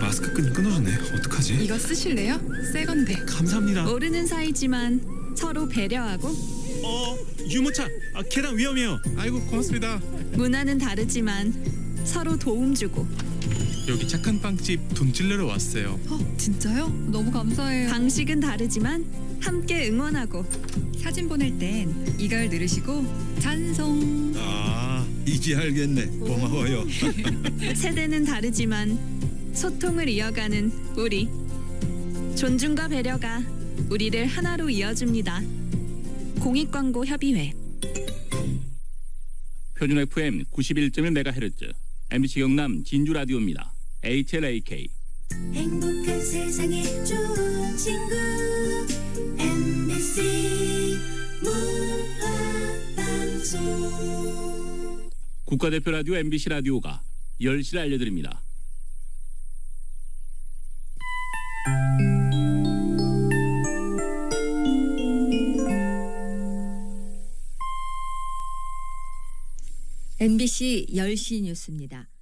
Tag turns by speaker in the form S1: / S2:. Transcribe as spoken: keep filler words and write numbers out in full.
S1: 마스크 끈이 끊어졌네. 어떡하지?
S2: 이거 쓰실래요? 새 건데.
S1: 감사합니다.
S3: 모르는 사이지만 서로 배려하고
S1: 어, 유모차. 아, 계단 위험해요. 아이고, 고맙습니다.
S3: 문화는 다르지만 서로 도움 주고
S1: 여기 착한 빵집 돈 찔러러 왔어요.
S2: 어, 진짜요? 너무 감사해요.
S3: 방식은 다르지만 함께 응원하고
S2: 사진 보낼 땐 이걸 누르시고 찬송.
S4: 아, 이제 알겠네. 고마워요.
S3: 세대는 다르지만 소통을 이어가는 우리. 존중과 배려가 우리를 하나로 이어줍니다. 공익광고협의회.
S5: 표준 에프엠 구십일 점 일 메가헤르츠 엠비씨 경남 진주라디오입니다. 에이치엘에이케이.
S6: 행복한 세상에 좋은 친구 엠비씨 문화방송.
S5: 국가대표 라디오 엠비씨 라디오가 열 시를 알려드립니다.
S7: 엠비씨 열 시 뉴스입니다.